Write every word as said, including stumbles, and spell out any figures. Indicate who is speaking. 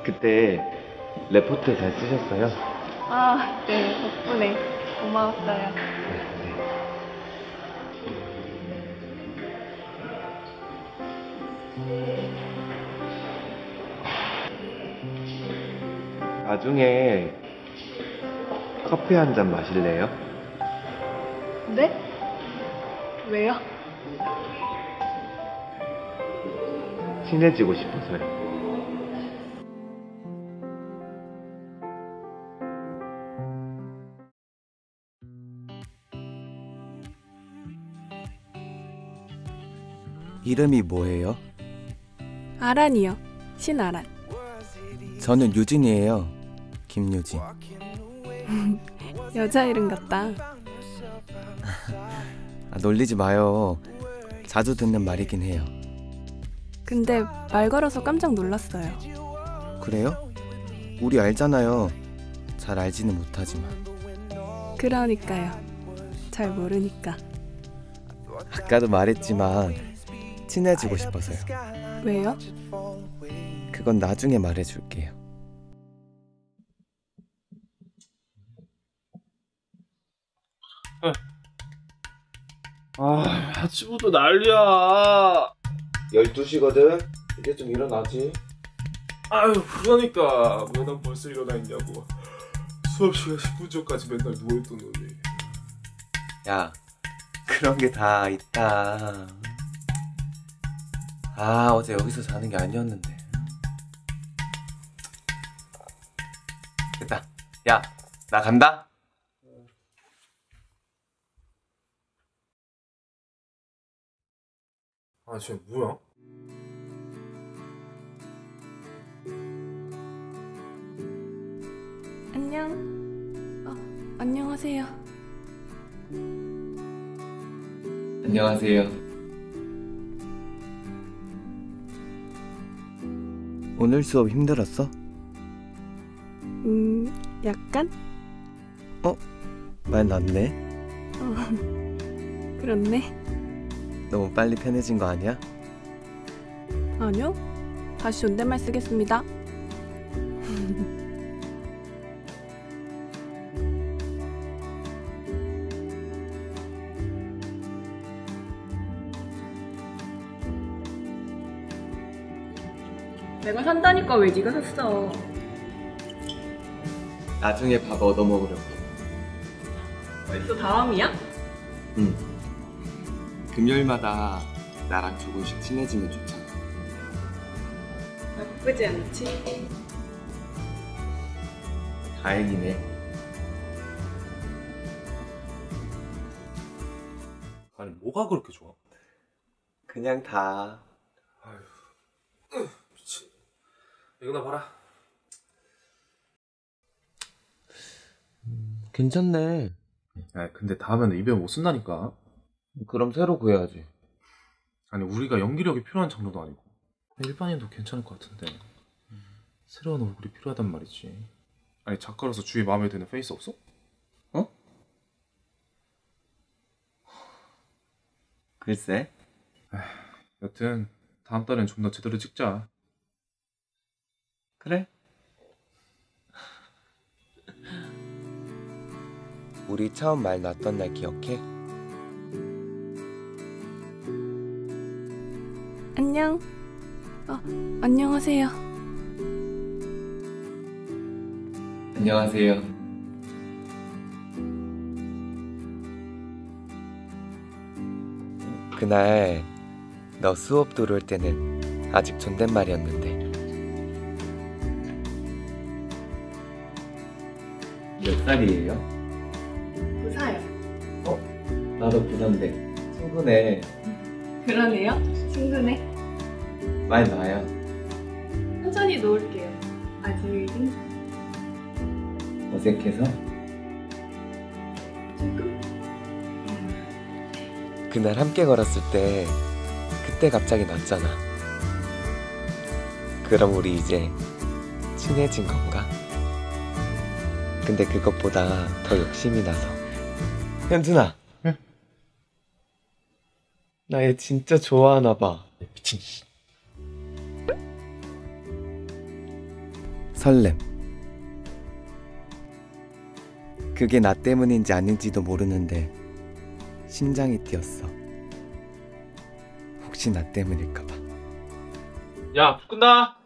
Speaker 1: 그때 레포트 잘 쓰셨어요?
Speaker 2: 아, 네, 덕분에 고마웠어요.
Speaker 1: 나중에 커피 한 잔 마실래요?
Speaker 2: 네? 왜요?
Speaker 1: 친해지고 싶어서요.
Speaker 3: 이름이 뭐예요?
Speaker 4: 아란이요. 신아란.
Speaker 3: 저는 유진이에요. 김유진.
Speaker 4: 여자 이름 같다.
Speaker 3: 아, 놀리지 마요. 자주 듣는 말이긴 해요.
Speaker 4: 근데 말 걸어서 깜짝 놀랐어요.
Speaker 3: 그래요? 우리 알잖아요. 잘 알지는 못하지만.
Speaker 4: 그러니까요. 잘 모르니까.
Speaker 3: 아까도 말했지만 친해지고 싶어서요.
Speaker 4: 왜요?
Speaker 3: 그건 나중에 말해줄게요.
Speaker 5: 아, 아침부터 난리야.
Speaker 1: 열두 시거든? 이제 좀 일어나지.
Speaker 5: 아유, 그러니까 왜 난 벌써 일어나 있냐고. 수업 시간 십 분 전까지 맨날 누워있던 놈이.
Speaker 3: 야, 그런 게 다 있다. 아, 어제 여기서 자는 게 아니었는데. 됐다. 야, 나 간다.
Speaker 5: 아, 쟤 뭐야?
Speaker 4: 안녕. 어, 안녕하세요.
Speaker 3: 안녕하세요. 오늘 수업 힘들었어?
Speaker 4: 음, 약간?
Speaker 3: 말 났네.
Speaker 4: 어, 그렇네.
Speaker 3: 너무 빨리 편해진 거 아니야?
Speaker 4: 아니요. 다시 존댓말 쓰겠습니다. 내가 산다니까 왜 네가 샀어?
Speaker 3: 나중에 밥 얻어 먹으려고.
Speaker 4: 벌써 다음이야?
Speaker 3: 응. 금요일마다 나랑 조금씩 친해지면 좋잖아.
Speaker 4: 나쁘지 않지?
Speaker 3: 다행이네.
Speaker 5: 아니, 뭐가 그렇게 좋아?
Speaker 3: 그냥 다.
Speaker 5: 아휴, 미친. 이거 나 봐라.
Speaker 3: 괜찮네.
Speaker 5: 야, 근데 다음에는 입에 못 쓴다니까.
Speaker 3: 그럼 새로 구해야지.
Speaker 5: 아니, 우리가 연기력이 필요한 장르도 아니고 일반인도 괜찮을 것 같은데 새로운 얼굴이 필요하단 말이지. 아니, 작가로서 주위에 마음에 드는 페이스 없어?
Speaker 3: 어? 글쎄.
Speaker 5: 여튼 다음 달엔 좀 더 제대로 찍자.
Speaker 3: 그래? 우리 처음 말 놨던 날 기억해?
Speaker 4: 안녕. 어, 안녕하세요.
Speaker 3: 안녕하세요. 그날 너 수업 들어올 때는 아직 존댓말이었는데. 몇 살이에요?
Speaker 4: 부사요.
Speaker 3: 나도 부산대. 친구네.
Speaker 4: 그러네요. 친구네.
Speaker 3: 말 놔요.
Speaker 4: 천천히 놓을게요. 아직은
Speaker 3: 어색해서?
Speaker 4: 조금.
Speaker 3: 그날 함께 걸었을 때 그때 갑자기 났잖아. 그럼 우리 이제 친해진 건가? 근데 그것보다 더 욕심이 나서. 현준아.
Speaker 5: 응?
Speaker 3: 나 얘 진짜 좋아하나 봐.
Speaker 5: 미친.
Speaker 3: 설렘. 그게 나 때문인지 아닌지도 모르는데 심장이 뛰었어. 혹시 나 때문일까봐.
Speaker 5: 야, 불 끈다.